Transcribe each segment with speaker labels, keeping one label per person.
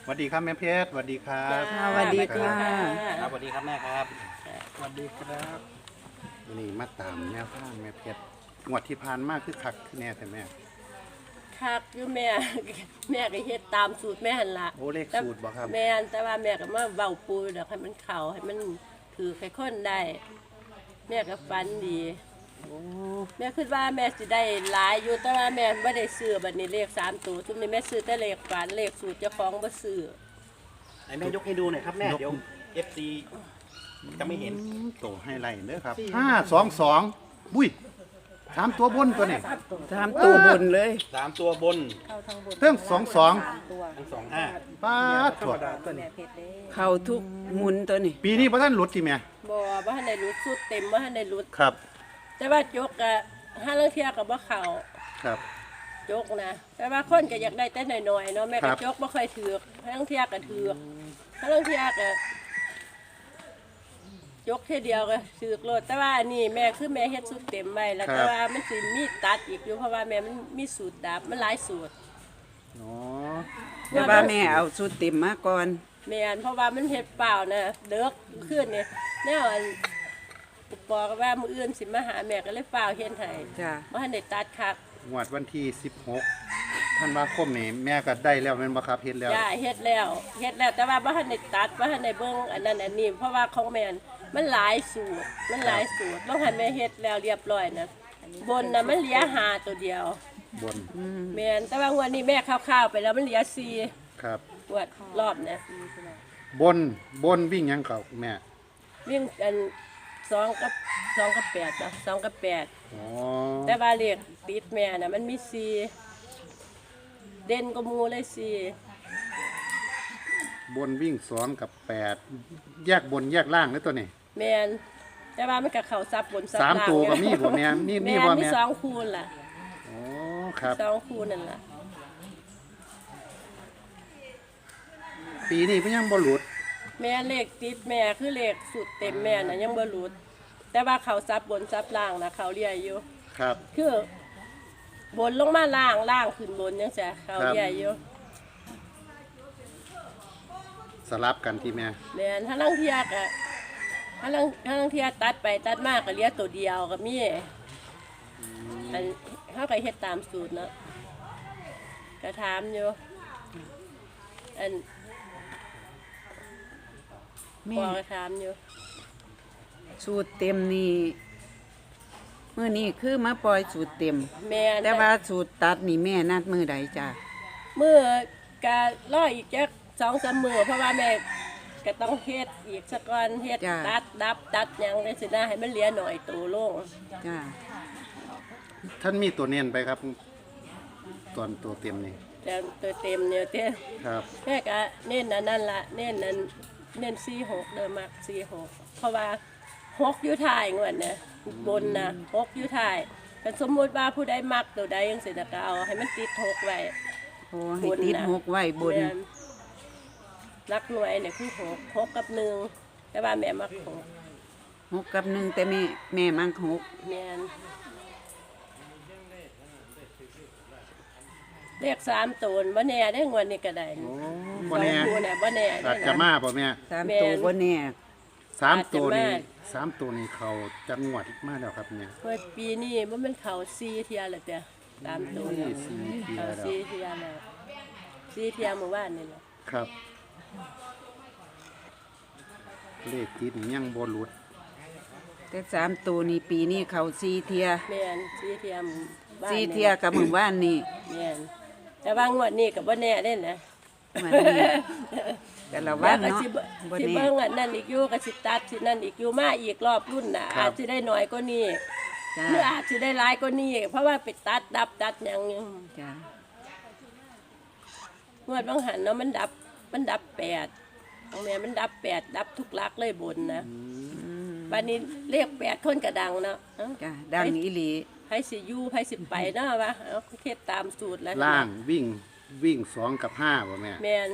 Speaker 1: สวัสดีครับแม่เพชรสวัสดีครับ
Speaker 2: สวัสดีค่ะ
Speaker 3: ครับสวัสดีครับแม่ครับ
Speaker 1: สวัสดีครับนี่มาตามแนวทางแม่เพชรงวดที่ผ่านมาคือคักคือแน่แต่แม่
Speaker 2: คักอยู่แม่ แม่ก็เฮ็ดตามสูตรแม่หั่นล่ะ
Speaker 1: โอ้เลขสูตรบ่ครับ
Speaker 2: แม่นแต่ว่าแม่ก็มาเว้าปูดอกให้มันเข้าให้มันถือให้คนได้ แม่ก็ฝันดี
Speaker 1: โอ้
Speaker 2: แม่คิดว่าแม่สิได้หลายอยู่แต่ว่าแม่บ่ได้ซื้อบัดนี้เลข3ตัวซุมนี้แม่ซื้อแต่เลขฝันเลขสูตรเจ้าของบ่ซื้อ
Speaker 3: ไหนแม่ยกให้ดูหน่อยครับแม่เดี๋ยว FC จะไม่เห็น
Speaker 1: โตให้ไล่เด้อครับ522บุ้ย3ตัวบนตัวนี้
Speaker 4: ทำตัวบนเลย
Speaker 3: 3 ตัวบน
Speaker 1: เรื่อง22
Speaker 3: ทั้ง25
Speaker 1: ป้าดถั่ว
Speaker 4: เข้าทุกหมุนตัวนี้
Speaker 1: ปีนี้บ่ทันหลุดติแม่
Speaker 2: บ่ทันได้รุดสูตรเต็มบ่ทันได้รุด
Speaker 1: ครับ
Speaker 2: แต่ว่าจกก็ห้าลางเที่ยก็บ่เข้า
Speaker 1: ครับ
Speaker 2: จกนะแต่ว่าคนก็อยากได้แต่น้อยๆเนาะแม่
Speaker 1: ครั
Speaker 2: ก็
Speaker 1: บ
Speaker 2: จกบ่ค่อยถือกทั้งเที่ยก็ถือกทั้งเที่ยก็จกเที่ยเดียวก็ถือกโลดแต่ว่าอันนี้แม่คือแม่เฮ็ดสูตรเต็มไว้แล้วแต่ว่ามันสิมีตัดอีกอยู่เพราะว่าแม่มันมีสูตรดับมันหลายสูตร
Speaker 1: อ๋อ
Speaker 4: แต่ว่าแม่เอาสุดเต็มมาก่อน
Speaker 2: แม่นเพราะว่ามันเฮ็ดเปล่านะเด็กขึ้นเนี่ยแนวอันอุปกรณ์ว่ามื้ออื่นสิมาหาแม่ก็เลยเปล่าเฮ็ดให้
Speaker 4: จ้ะ
Speaker 2: บ่ทันได้ตัดคัก
Speaker 1: งวดวันที่16ธันวาคมนี่แม่ก็ได้แล้วแม่นบ่ครับเฮ็ดแล้ว
Speaker 2: ย่าเฮ็ดแล้วแต่ว่าบ่ทันได้ตัดบ่ทันได้เบิ่งอันนั้นอันนี้เพราะว่าของแม่นมันหลายสูตรบ่ทันแม่เฮ็ดแล้วเรียบร้อยนะบนน่ะมันเหลือ5ตัวเดียว
Speaker 1: บน
Speaker 2: แม่นแต่ว่างวดนี้แม่คร่าวๆไปแล้วมันเหลือ4
Speaker 1: ครับ
Speaker 2: งวดรอบนะ
Speaker 1: บนวิ่งหยังเก่าแม่
Speaker 2: วิ่งอัน2กับ8จ้ะ2กับ8
Speaker 1: อ๋อ
Speaker 2: แต่ว่าเลขติดแม่น่ะมันมี4เด่นก็หมู่เลย4
Speaker 1: บนวิ่ง2กับ8แยกบนแยกล่างเลยตัวนี้
Speaker 2: แม่นแต่ว่ามันก็เข้าซับบนซับล่าง
Speaker 1: 3ตัวก็มีบ่แม่นี่
Speaker 2: แม่
Speaker 1: บ่
Speaker 2: มี
Speaker 1: แม่
Speaker 2: 2คูณล่ะ
Speaker 1: อ๋อครับ
Speaker 2: 2คูณนั่นล่ะ
Speaker 1: ปีนี้เพิ่นยังบ่หลุด
Speaker 2: แม่เลขติดแม่คือเลขสุดเต็มแม่น่ะยังบ่หลุด แต่ว่าเขาซับบนซับล่างนะเขาเรียอยู่
Speaker 1: ครับ
Speaker 2: คือบนลงมาล่างล่างขึ้นบนจังซี่เขาเรียอยู่
Speaker 1: สลับกันที่แม่
Speaker 2: แม่นถ้าลังเทียกะถ้าลังเทียตัดไปตัดมาก็เหลือตัวเดียวก็มีอันเฮาก็เฮ็ดตามสูตรเนาะก็ถามอยู่อัน
Speaker 4: แม่
Speaker 2: พ่อก็ถามอยู่
Speaker 4: สูตรเต็มนี่มื้อนี้คือมาปล่อยสูตรเต็ม
Speaker 2: แม่น
Speaker 4: แต่ว่าสูตรตัดนี่แม่นัดมื้อใดจ้ะ
Speaker 2: มื้อก็รออีกจัก2-3มื้อเพราะว่าแม่ก็ต้องเฮ็ดอีกสักก่อนเฮ็ดตัดดับตัดหยังจังซี่นะให้มันเหลือหน่อยตัวลง
Speaker 4: จ้ะ
Speaker 1: ท่านมีตัวเน้นไปครับตอนตัวเต็มนี่
Speaker 2: แต่ตัวเต็มเนี่ยเต้
Speaker 1: ครับ
Speaker 2: แม่ก็เน้นอันนั่นล่ะเน้นอันเน้น46เด้อมัก46เพราะว่า6อยู่ท้ายงวดน่ะบนน่ะ6อยู่ท้ายแต่สมมุติว่าผู้ใดมักตัวใดจังซี่น่ะก็เอาให้มันติด6ไว้
Speaker 4: โอ้ให้ติดหกไว้บน
Speaker 2: แม่รักหน่วยเนี่ยคือ6กับ1แต่ว่าแม่มัก6
Speaker 4: 6กับ1แต่แม่มัก6
Speaker 2: แม่นเลข3ตัวบ่แน่ได้งวดนี้ก็ได้
Speaker 1: โอ้
Speaker 2: ส
Speaker 1: บ่
Speaker 2: อง
Speaker 1: แน่
Speaker 2: คู่น่ะบ่แน่
Speaker 1: อาจจะมาบ่แม่
Speaker 4: 3ตัวบ่แน่
Speaker 1: 3ตัวนี่
Speaker 2: อาจจะมา
Speaker 1: 3ตัวนี่เขาจังหวัดมาแล้วครับเนี่ย
Speaker 2: เมื่อปีนี้บ่แมันเข้า4เที่ยแล้วจ้ะ3ตัว
Speaker 1: นี่4เที่ย
Speaker 2: เข้า
Speaker 1: แล้ว
Speaker 2: 4เที่ยแล้ว4เที่ยเมื่อวานนี่แหละ
Speaker 1: ครับเลขติดนี่ยังบ่หลุด
Speaker 4: แต่3ตัวนี่ปีนี้เข้า4เที่ย
Speaker 2: แม่น4เที่ยหมู่บ้าน
Speaker 4: 4เที่ยกับมื้อวานนี่
Speaker 2: แม่นแต่ว่างวดนี้ก็บ่แน่เด้นะ
Speaker 4: มันนี่แต่ละวัน
Speaker 2: แล้วก็
Speaker 4: เนาะ
Speaker 2: สิ
Speaker 4: บ่
Speaker 2: สิ
Speaker 4: แน่
Speaker 2: เบิ่งอันนั้นอีกอยู่ก็สิตัดสินั่นอีกอยู่มาอีกรอบรุ่นน่ะอาจสิได้น้อยกว่านี้
Speaker 4: จ้ะ
Speaker 2: หรืออาจสิได้หลายกว่านี้เพราะว่าไปตัดดับตัดหยังอยู่
Speaker 4: จ้ะ
Speaker 2: งวดบางหันเนาะมันดับ8ของแม่มันดับ8ดับทุกหลักเลยบนนะบัดนี้เลข8คนก็ดังเนาะเอ้า
Speaker 4: จ้ะดังอีหลี
Speaker 2: ไผสิอยู่ไผสิไปเนาะวะเอาเฮ็ดตามสูตรแล้ว
Speaker 1: ล่างวิ่ง2กับ5บ่แม่
Speaker 2: แม่น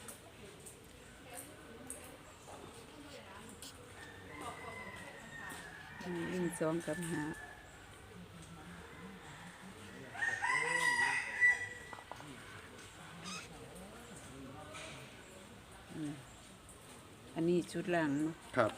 Speaker 4: วิ่ง2กับ5 อันนี้ชุดล่างเนาะ
Speaker 1: ครับ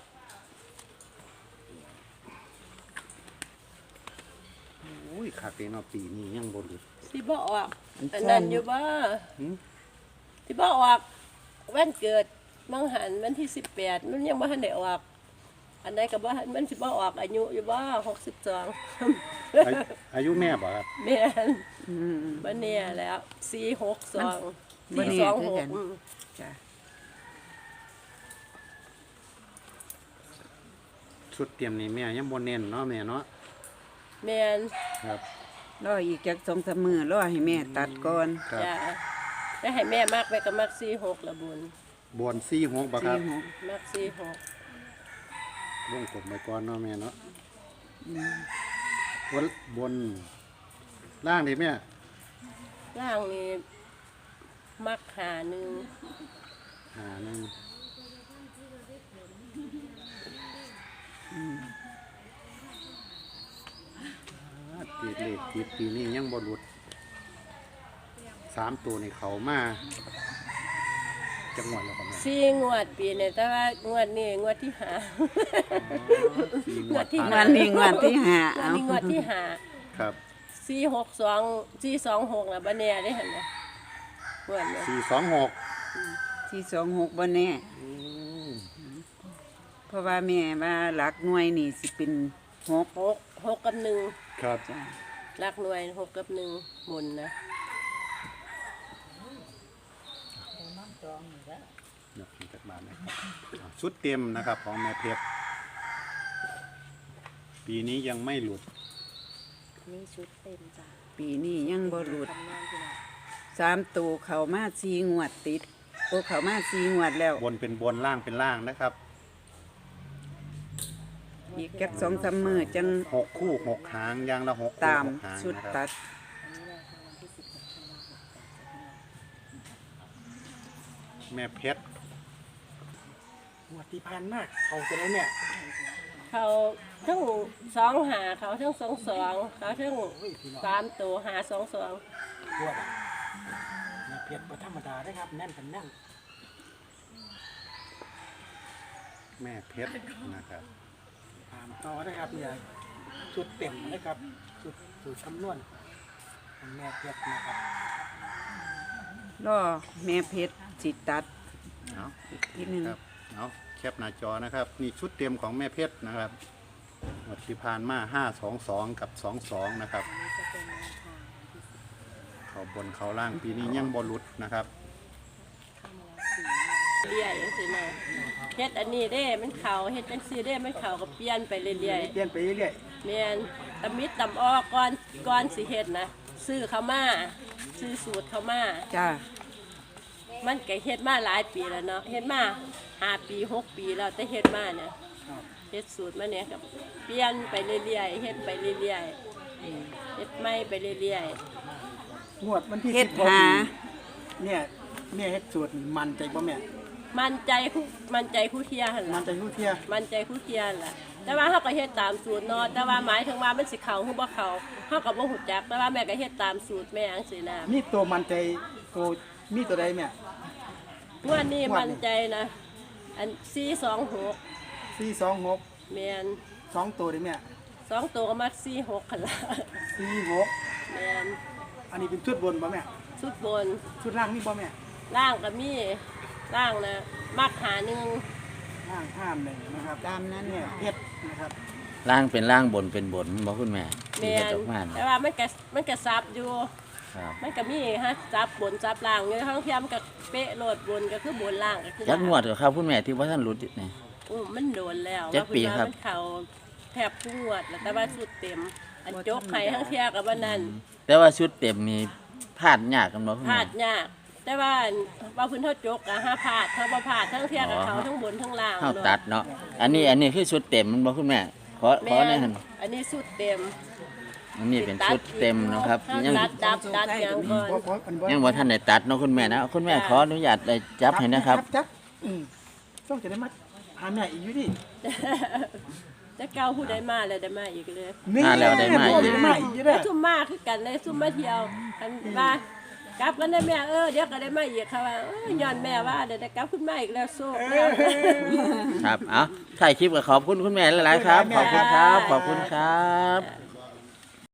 Speaker 1: โอ้ยคักเลยเนาะปีนี้ยังบ่หลุด
Speaker 2: สิบ่ออกอันนั้นอยู่บ่
Speaker 1: หืม
Speaker 2: สิบ่ออกวันเกิดมังหันวันที่18มันยังบ่ทันได้ออกอันใดก็บ่ทันมันสิบ่ออกอายุอยู่บ่62
Speaker 1: อายุแม่บ่ครับ
Speaker 2: แม่น
Speaker 4: อืม
Speaker 2: บ่เนี่ยแล้ว462
Speaker 4: บ่แน่คือกัน
Speaker 2: 426
Speaker 4: จ้ะ
Speaker 1: ชุดเตรียมนี่แม่ยังบ่เน้นเนาะแม่เนาะ
Speaker 2: แม่น
Speaker 1: ครับ
Speaker 4: รออีกจัก2-3มื้อรอให้แม่ตัดก่อน
Speaker 1: ครับ
Speaker 2: จ้ะได้ให้แม่มักไปก็มัก46ละบุญ
Speaker 1: บน46บ่ครับ
Speaker 4: 46
Speaker 2: มัก46
Speaker 1: วงกลมไปก่อนเนาะแม่เนาะบนล่างดิแม่
Speaker 2: ล่างนี่มักหาหนึ่ง
Speaker 1: หาหนึ่งตีเลขตีปีนี้ยังบ่หลุด3ตัวนี่เขามาจังหวัดแล้วครับแม่
Speaker 2: 4 งวดปีนี่แต่ว่างวดนี้งวดที่หา
Speaker 1: สี่
Speaker 2: งวดที่
Speaker 1: ผ่า
Speaker 4: วันนี้วันที่ห้าง
Speaker 2: วด
Speaker 4: เอา
Speaker 2: นี้งวดที่หา
Speaker 1: ครับ
Speaker 2: 462 426น่ะบ่แน่ได้หั่นน่ะงวดนี้
Speaker 1: 426
Speaker 4: ที่26บ่แน่เพราะว่าแม่ว่าหลักหน่วยนี่สิเป็น6
Speaker 2: 6กับ1
Speaker 1: ครับ
Speaker 4: จ้ะ
Speaker 2: หลักหน่วย6กับ1หมุนนะ
Speaker 1: ยกขึ้นจากบ้านนะครับชุดเต็มนะครับของแม่เพชรปีนี้ยังไม่หลุด
Speaker 5: นี่ชุดเต็มจ้ะ
Speaker 4: ปีนี้ยังบ่หลุด
Speaker 5: ทำงานพี่น้อง
Speaker 4: 3ตัวเข้ามา4งวดติดโอ้เข้ามา4งวดแล้ว
Speaker 1: บนเป็นบนล่างเป็นล่างนะครับ
Speaker 4: อีกจัก2-3มื้อจัง
Speaker 1: 6 คู่ 6 หางยางละ6 คู่
Speaker 4: ตาม
Speaker 1: 6 หาง
Speaker 4: ชุด
Speaker 1: นะครับ
Speaker 4: ตัด
Speaker 5: อันนี้แหละค่ะวันที่16ธันวาคม
Speaker 1: แม่เพชร
Speaker 3: งวดที่ผ่านมากเขาจะได้เนี่ย
Speaker 2: เขาทั้ง2หาเขาทั้ง22เขาทั้ง3ตัวหา22
Speaker 3: ตัวแบบเนี่ยเพียรธรรมดาได้ครับแน่นกันแน่น
Speaker 1: แม่เพชรนะครับ
Speaker 3: ตามต่อได้ครับเนี่ยชุดเต็มนะครับชุดคำนวณของแม่เพียรนะครับ
Speaker 4: รอแม่เพชรสิตัด
Speaker 1: เอา
Speaker 4: อีกทีหนึง
Speaker 1: ครับเอาแคปหน้าจอนะครับ นี่ชุดเต็มของแม่เพชรนะครับหมดที่ผ่านมา522กับ22นะครับ
Speaker 5: อันนี้จะเป็นแนวทางที่
Speaker 1: เขาบนเขาล่างปีนี้ยังบอลุดนะครับ
Speaker 5: เข้ามาแล้ว4
Speaker 2: เรื่อยจังซี่นะเฮ็ดอันนี้เด้มันเข้าเฮ็ดจังซี่เด้มันเข้าก็เปลี่ยนไปเรื่อย
Speaker 3: เปลี่ยนไปเรื่อย
Speaker 2: ๆแม่นตำมิดตำออกก่อนสิเฮ็ดนะซื้อเข้ามาซื้อสูตรเข้ามา
Speaker 4: จ้า
Speaker 2: มันก็เฮ็ดมาหลายปีแล้วเนาะเฮ็ดมา5 ปี 6 ปีแล้วแต่เฮ็ดมาเนี่ย
Speaker 3: ๆครับ
Speaker 2: เฮ็ดสูตรมาเนี่ยครับเปลี่ยนไปเรื่อยๆเฮ็ดไปเรื่อยๆเฮ็ดใหม่ไปเรื่อย
Speaker 3: งวดวันที่
Speaker 4: เฮ็ด
Speaker 3: 16
Speaker 4: หา
Speaker 3: เนี่ยแม่เฮ็ดสูตรนี่มันใจบ่แม่
Speaker 2: ๆมั่นใจคู่เทียหั่น
Speaker 3: มั
Speaker 2: ล่ะ
Speaker 3: นใจรู้เที่ย
Speaker 2: มั่นใจคู่เทียนล่ะแต่ว่าเฮาก็เฮ็ดตามสูตรเนาะแต่ว่าหมายถึงว่ามันสิเข้าหรือบ่เข้าเฮาก็บ่ฮู้จักแต่ว่าแม่ก็เฮ็ดตามสูตรแม่จังซี่นะ
Speaker 3: มีตัวมันใจตัวมีตัวใดแม่
Speaker 2: งวดนี้มั่นใจนะอัน426
Speaker 3: 426
Speaker 2: แม่น
Speaker 3: 2ตัวเด้แม่
Speaker 2: 2ตัวก็มัก46คั่นล่ะ
Speaker 3: 46
Speaker 2: แม่น
Speaker 3: อันนี้เป็นชุดบนบ่แม่
Speaker 2: สุดบน
Speaker 3: ชุดล่างนี่บ่แม่
Speaker 2: ล่างก็มีล่างนะมักหาหนึง
Speaker 3: ล่างห้ามหนึ่งนะครับ
Speaker 4: ตามนั้น
Speaker 3: เนี่ยเฮ็ดนะครับ
Speaker 6: ล่างเป็นล่างบนเป็นบนบอกคุณแม่ที่
Speaker 2: แม่
Speaker 6: เฮ็ด
Speaker 2: น
Speaker 6: ออกมา
Speaker 2: แต่ว่ามันก็ซับอยู่
Speaker 6: ครับ
Speaker 2: มันก็มีฮะซับบนซับล่างอยู่ทั้งเทียมนก็เป๊ะโหลดบนก็คือบนล่างก็คือ
Speaker 6: จักงวด
Speaker 2: ล่าง
Speaker 6: กับครับคุณแม่ที่ว่าท่านรู้นี่
Speaker 2: มันโดนแล้ว
Speaker 6: จักปีครับ
Speaker 2: ว่าเพิ่นว่ามันเข้าแทบทุกงวดแล้วแต่ว่าสุดเต็ม อันจกไห้ทั้งเทียกับว่านั้น
Speaker 6: แต่ว่าชุดเต็มมีพลาดยากกันบ่คุณ
Speaker 2: พลา
Speaker 6: แม่
Speaker 2: ดยากแต่ว่าว่าเพื้นเท่าจกอะห้าพลาดถ้าบ่พลาดทั้งเทียกับเขาทั้งบนทั้งล่าง
Speaker 6: เฮาตัดเนาะอันนี้คือชุดเต็มมันบ่คุณแม่ขอ
Speaker 2: แม่
Speaker 6: หน่อยหั่น
Speaker 2: อันนี้สุดเต็ม
Speaker 6: อันนี้เป็นชุดเต็มเนาะครับ
Speaker 2: ถ้า
Speaker 6: ยัง
Speaker 2: ตัดอย่างก่อน
Speaker 3: บ่อันบ่
Speaker 6: ยังบ่ทันได้ตัดเนาะคุณแม่นะคุณแม่ขออนุญาตได้จับให้นะครับ
Speaker 3: จับต้องจะได้มาหาแม่อีกอยู่ดิ
Speaker 2: จะเก้าผู้ใดมาแล้วได้มาอีกเลย
Speaker 6: มาแล้วได้มาอีก
Speaker 3: ได้มาอีกอยู่เด้อ
Speaker 2: ซุ่มมาคือกันเลยซุ่มมาเที่ยวกันว่ากลับกันได้แม่เดี๋ยวก็ได้มาอีกค่ะว่าย้อนแม่ว่าเดี๋ยวได้กลับขึ้นมาอีกแล้วโซ่แล้ว
Speaker 6: ครับเอาถ่ายคลิปก็ขอบคุณคุณแม่หลายๆครับ ขอบคุณครับ ขอบคุณครับ
Speaker 2: จ้ะ